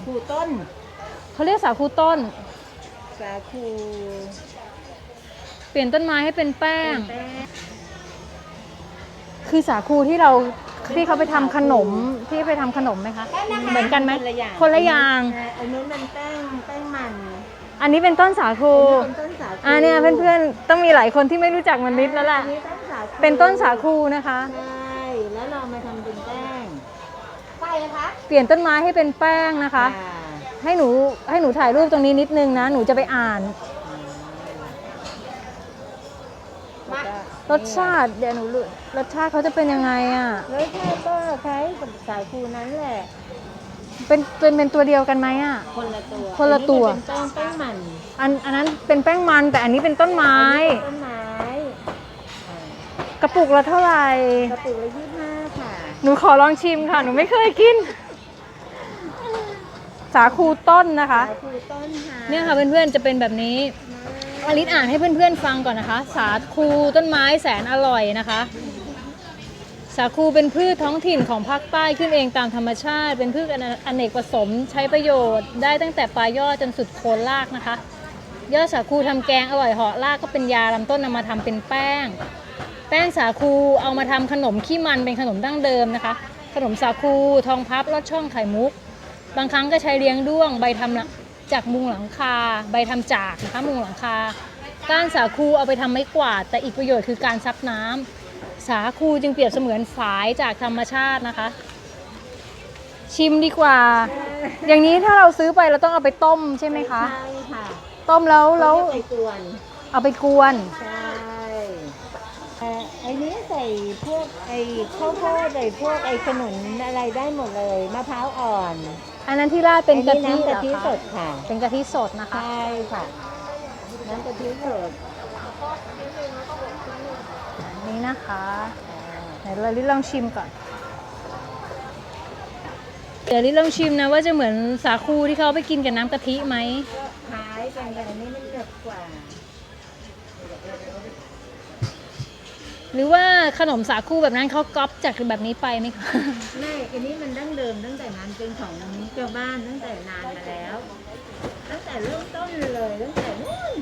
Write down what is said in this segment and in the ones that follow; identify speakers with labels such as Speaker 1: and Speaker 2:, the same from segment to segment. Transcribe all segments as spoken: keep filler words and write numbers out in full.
Speaker 1: คูต้น
Speaker 2: เขาเรียกสาคูต้น
Speaker 1: สาคู
Speaker 2: เปลี่ยนต้นไม้ให้เป็นแป้งคือสาคูที่เราที่เขาไปทำขนมที่ไปทำขนมไหมคะเหมือนกันไหมคนละอย่าง
Speaker 1: อันนู้นมันแป้งแป้งมัน
Speaker 2: อันนี้เป็นต้นสาคู
Speaker 1: เป็นต้นสาคู
Speaker 2: อ่าเนี่ยเพื่อนๆต้องมีหลายคนที่ไม่รู้จักมันนิดแล้วแหละเป็นต้นสาคูนะคะ
Speaker 1: ใช่แล้วเรามาทำเป็นแป้งไปนะคะ
Speaker 2: เปลี่ยนต้นไม้ให้เป็นแป้งนะคะให้หนูให้หนูถ่ายรูปตรงนี้นิดนึงนะหนูจะไปอ่านรสชาติเดี๋ยวหนูรสชาติเขาจะเป็นยังไงอ่ะ
Speaker 1: รสชาติก็คล้ายกับสาคูนั้นแหละ
Speaker 2: เป็นเป็นเป็นตัวเดียวกันไหมอ่ะ
Speaker 1: คนละตัว
Speaker 2: คนละตัว
Speaker 1: เป็นแป้งแป้งมัน
Speaker 2: อันอันนั้นเป็นแป้งมันแต่อันนี้เป็นต้นไม้
Speaker 1: ต้นไม้
Speaker 2: กระปุกละเท่าไหร่
Speaker 1: กระปุกละยี่สิบห้าค่ะ
Speaker 2: หนูขอลองชิมค่ะหนูไม่เคยกินสาคูต้นนะคะ
Speaker 1: สาคูต้นค่ะ
Speaker 2: เนี่ยค่ะเพื่อนๆจะเป็นแบบนี้อลิสอ่านให้เพื่อนๆฟังก่อนนะคะสาคูต้นไม้แสนอร่อยนะคะสาคูเป็นพืชท้องถิ่นของภาคใต้ขึ้นเองตามธรรมชาติเป็นพืชอเนกประสงค์ใช้ประโยชน์ได้ตั้งแต่ปลายยอดจนสุดโคนรากนะคะยอดสาคูทำแกงอร่อยเหาะรากก็เป็นยาลำต้นนำมาทำเป็นแป้งแป้งสาคูเอามาทำขนมขี้มันเป็นขนมดั้งเดิมนะคะขนมสาคูทองพับลอดช่องไข่มุกบางครั้งก็ใช้เลี้ยงด้วงใบทำจากมุงหลังคาใบทำจากนะคะมุงหลังคาก้านสาคูเอาไปทำไม้กวาดแต่อีกประโยชน์คือการซับน้ำสาคูจึงเปรียบเสมือนฝายจากธรรมชาตินะคะชิมดีกว่าอย่างนี้ถ้าเราซื้อไปเราต้องเอาไปต้มใช่ไหมคะ
Speaker 1: ใช่ค่ะ
Speaker 2: ต้มแล้วแล้ว
Speaker 1: ไปกวน
Speaker 2: เอาไปกวน
Speaker 1: ใช่ไอ้นี้ใส่พวกไอ้ข้าวโพดใส่พวกไอ้ขนุนอะไรได้หมดเลยมะพร้าวอ่อน
Speaker 2: อันนั้นที่ราดเป็นกะทิ
Speaker 1: กะทิสดค่ะ
Speaker 2: เป็นกะทิสดนะคะ
Speaker 1: ใช่ค่ะน้ำกะทิสด
Speaker 2: นี่นะคะเดี๋ยวเราลิลองชิมก่อนเดี๋ยวลิลองชิมนะว่าจะเหมือนสาคูที่เขาไปกินกับน้ำกะทิไหม
Speaker 1: คล้ายกันแต่อันนี้มันเด็ดกว่า
Speaker 2: หรือว่าขนมสาคูแบบนั้นเขาก๊อปจากแบบนี้ไปไหมคะ
Speaker 1: ไม่อันนี้มันดั้งเดิมตั้งแต่นานเป็นของเจ้าบ้านตั้งแต่นานมาแล้วตั้งแต่เริ่มต้นเลยตั้งแต่นู้น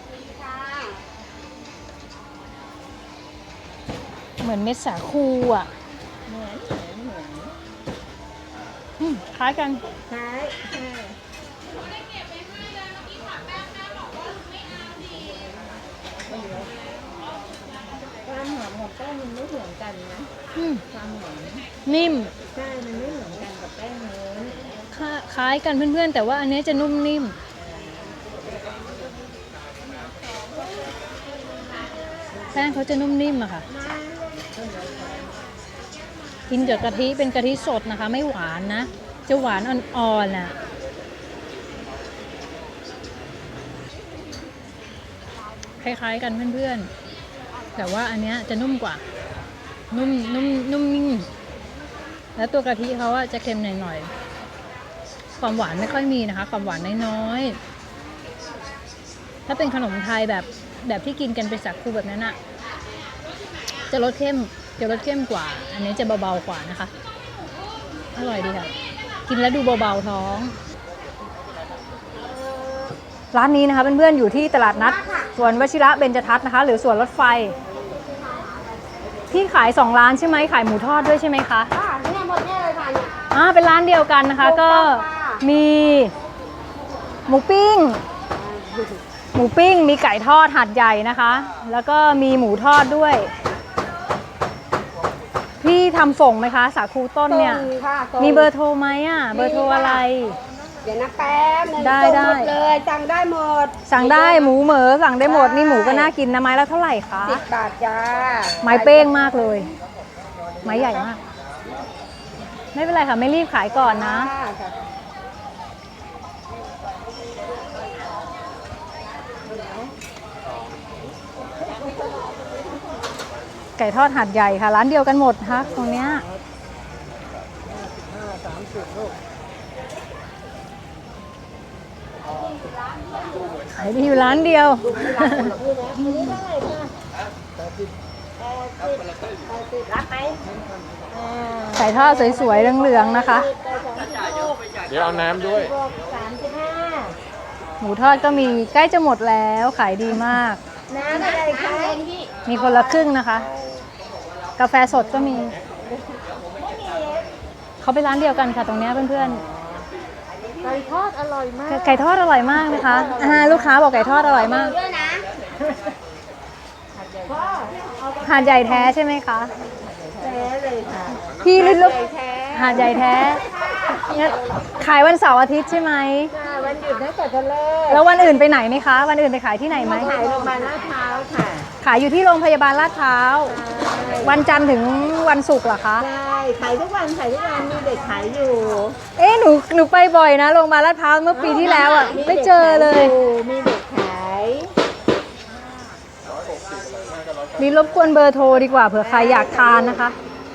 Speaker 2: เหมือนเม็ดสาคูอ่ะ
Speaker 1: เหมือนเหมือนเหมือน
Speaker 2: คล้ายกัน
Speaker 1: คล้ายใช่ความหอมของแป้งมันไม่เหมือนกันนะความหอม
Speaker 2: นิ่ม
Speaker 1: ใช่มันไม่เหมือนกันกับแป้งเนื้อ
Speaker 2: คล้ายกันเพื่อนๆแต่ว่าอันนี้จะนุ่มนิ่มแป้งเขาจะนุ่มนิ่มอะค่ะกินกับกะทิเป็นกะทิสดนะคะไม่หวานนะจะหวานอ่อนๆน่ะคล้ายๆกันเพื่อนๆแต่ว่าอันเนี้ยจะนุ่มกว่านุ่มนุ่มนุ่มนิ่มแล้วตัวกะทิเขาอะจะเค็มหน่อยๆความหวานไม่ค่อยมีนะคะความหวานน้อยๆถ้าเป็นขนมไทยแบบแบบที่กินกันเป็นสาคูแบบนั้นอะจะรสเข้มจะรสเข้มกว่าอันนี้จะเบาๆกว่านะคะอร่อยดีค่ะกินแล้วดูเบาๆท้องร้านนี้นะคะเพื่อนๆอยู่ที่ตลาดนัดสวนวชิระเบญจทัศน์นะคะหรือสวนรถไฟที่ขายสองร้านใช่ไหมขายหมูทอดด้วยใช่ไหมคะ
Speaker 1: อ่าเนี่ยหมดเนี่ยเลยค่ะ
Speaker 2: อ่าเป็นร้านเดียวกันนะคะก็มีหมูปิ้งหมูปิ้งมีไก่ทอดหัดใหญ่นะคะแล้วก็มีหมูทอดด้วยพี่ทำส่งไหมคะสาคูต้นเนี่ยมีเบอร์โทรไหมอ่ะเบอร์โทรอะไร
Speaker 1: เดี๋ยวนะแป๊บ
Speaker 2: ได้ได้
Speaker 1: เลยสั่งได้หมด
Speaker 2: สั่งได้หมูเหมอสั่งได้หมดนี่หมูก็น่ากินนะไม้แล้วเท่าไหร่คะ
Speaker 1: สิบบาทจ้า
Speaker 2: ไม้เป้งมากเลยไม้ใหญ่มากไม่เป็นไรค่ะไม่รีบขายก่อนนะไก่ทอดหัดใหญ่ค่ะร้านเดียวกันหมดค่ะตรงเนี้ยขายดีอยู่ร้านเดียวไก่ทอดสวยๆเหลืองๆนะคะ
Speaker 3: เดี๋ยวเอาน้ำด้วย
Speaker 1: บวกสามสิบห้า
Speaker 2: หมูทอดก็มีใกล้จะหมดแล้วขายดีมาก
Speaker 1: น้ำอะไรคะ
Speaker 2: มีคนละครึ่งนะคะ กาแฟสดก็มี เขาไปร้านเดียวกันค่ะตรงเนี้ยเพื่อน
Speaker 1: ไก่ทอดอร่อยมาก
Speaker 2: ๆ ไก่ทอดอร่อยมากนะคะอ่าลูกค้าบอกไก่ทอดอร่อยมาก
Speaker 1: ด้วยนะพ่อเอา
Speaker 2: หาดใหญ่แท้ใช่ไหมคะ
Speaker 1: แท้เลยค่ะ
Speaker 2: พี่ลิล
Speaker 1: ไก่แท้
Speaker 2: หาดใหญ่แท้เนี่ยขายวันเสาร์อาทิตย์ใช่ไหม
Speaker 1: ค่ะวันหยุดนักขัตฤกษ์
Speaker 2: แล้ววันอื่นไปไหนไหมคะ วันอื่นไปขายที่ไหนไหม
Speaker 1: ขายโรงพยาบาลลาดพร้าวค่ะ
Speaker 2: ขายอยู่ที่โรงพยาบาลลาดพร้าว วันจันทร์ถึงวันศุกร์เหรอคะ
Speaker 1: ใช่ขายทุกวันขายทุกวันมีเด็กขายอยู่
Speaker 2: เอ๊ะหนูหนูไปบ่อยนะโรงพยาบาลลาดพร้าวเมื่อปีที่แล้วอ่ะไม่เจอเลย
Speaker 1: มีเด็กขาย
Speaker 2: นี่รบกวนเบอร์โทรดีกว่าเผื่อใครอยากทานนะคะ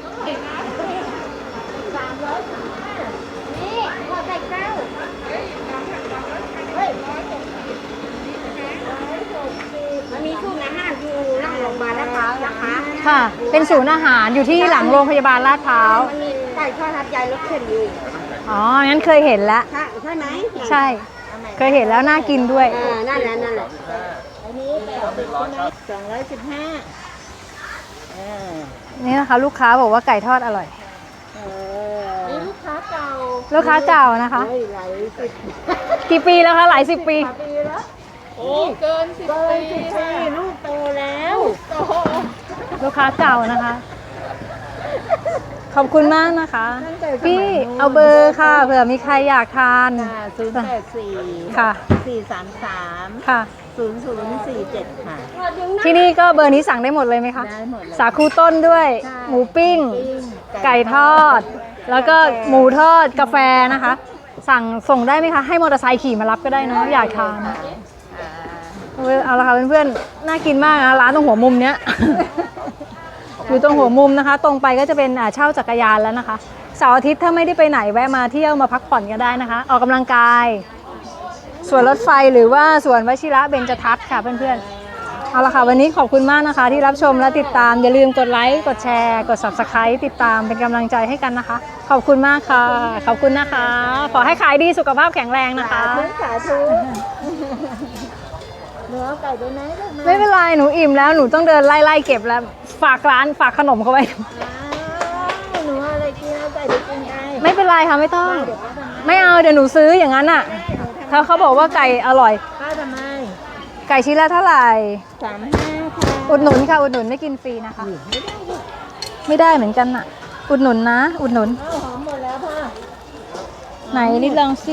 Speaker 1: นี่ขอไก่เก้าเฮ้ยมันมีศูนย์อาหารอยู่หลังโรงพยาบาลลาดพร้าวนะคะ
Speaker 2: ค่ะ เป็นศูนย์อาหารอยู่ที่หลังโรงพยาบาลลาดพร้าว
Speaker 1: มันมีไก่ทอดทับยายรถเข็นอยู่
Speaker 2: อ๋อ งั้นเคยเห็นแล้ว
Speaker 1: ใช่ใช่ไหม
Speaker 2: ใช่ เคยเห็นแล้วน่ากินด้วย
Speaker 1: อ่านั่นแหละนั่นแหละอันนี้แบบสองร้อยสิบห้าอ่า
Speaker 2: นี่นะคะ ลูกค้าบอกว่าไก่ทอดอร่อย
Speaker 1: เออนี่ลูกค้าเก่า
Speaker 2: ลูกค้าเก่านะคะ
Speaker 1: เฮ้ยหลายสิบ
Speaker 2: กี่ปีแล้วคะหลายสิบปี
Speaker 1: ปีแล้วโอ้เกินสิบปีลูกโตแล้วโต
Speaker 2: ลูกค้าเก่านะคะ ขอบคุณมากนะคะ พี่เอาเบอร์ค่ะเผื่อมีใครอยากทาน
Speaker 1: ศูนย์แปดสี่
Speaker 2: ค่ะ
Speaker 1: สี่สามสาม
Speaker 2: ค่ะ
Speaker 1: ศูนย์ศูนย์สี่เจ็ดค่ะ
Speaker 2: ที่นี่ก็เบอร์นี้สั่งได้หมดเลยไหมคะ
Speaker 1: ได้หมดเลย
Speaker 2: สาคูต้นด้วย
Speaker 1: ใช่
Speaker 2: หมูปิ้ง
Speaker 1: ปิ้ง
Speaker 2: ไก่ทอด แล้วก็หมูทอดกาแฟนะคะ สั่งส่งได้ไหมคะ ให้มอเตอร์ไซค์ขี่มารับก็ได้เนาะอยากทาน
Speaker 1: อ่า
Speaker 2: เอาละค่ะเพื่อนๆ น่ากินมากนะร้านตรงหัวมุมเนี้ย อยู่ตรงหัวมุมนะคะ ตรงไปก็จะเป็นอ่าเช่าจักรยานแล้วนะคะเสาร์อาทิตย์ถ้าไม่ได้ไปไหนแวะมาเที่ยวมาพักผ่อนก็ได้นะคะ ออกกำลังกายสวนรถไฟหรือว่าสวนวชิระเบญจทัศน์ค่ะเพื่อนๆเอาละค่ะวันนี้ขอบคุณมากนะคะ ที่รับชมและติดตามอย่าลืมกดไลค์กดแชร์กด ซับสไครบ์ ติดตามเป็นกำลังใจให้กันนะคะ ขอบคุณมากค่ะ ขอบคุณนะคะ ขอให้ขายดีสุขภาพแข็งแรงนะคะ
Speaker 1: สาธุสาธุหนูเอาไก่ไปไหมลูกมา
Speaker 2: ไม่เป็นไรหนูอิ่มแล้วหนูต้องเดินไล่ๆเก็บแล้วฝากร้านฝากขนมเขาไว้
Speaker 1: อ้าวหนูเอาอะไรกินเอาไก่ไปกินไง
Speaker 2: ไม่เป็นไรค่ะไม่ต้อง
Speaker 1: เดี๋ยวป้าทำให้
Speaker 2: ไม่เอาเดี๋ยวหนูซื้ออย่างนั้นอ่ะถ้าเขาบอกว่าไก่อร่อย
Speaker 1: ป้าทำไม
Speaker 2: ไก่ชิ้นละเท่าไหร่
Speaker 1: สามห้าค่ะ
Speaker 2: อุดหนุนค่ะอุดหนุนไม่กินฟรีนะคะ ไม่ได้เหมือนกันอ่ะ อุดหนุนนะ อุดหนุน
Speaker 1: เอาหอมหมดแล้วพ่อ
Speaker 2: ไหนนิดลองซิ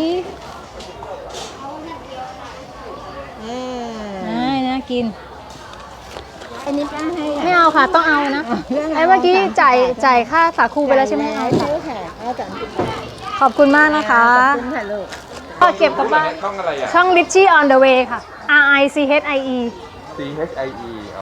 Speaker 1: เออ
Speaker 2: น่าน่ากิน
Speaker 1: อันนี้ป้าให้
Speaker 2: ไม่เอาค่ะต้องเอานะไอ้เมื่อกี้จ่ายจ่ายค่าสาคูไปแล้วใช่ไหม
Speaker 1: เอา
Speaker 2: เอา
Speaker 1: ใช่ค่ะเอาสามสิบบาท
Speaker 2: ขอบคุณมากนะคะ
Speaker 1: ขอบคุณค่ะลูก
Speaker 2: ก็เก็บกลับบ้าน
Speaker 3: ช่องอะไรอ่ะ
Speaker 2: ช่อง Richie on the way ค่ะ R I C H I E
Speaker 3: C H I E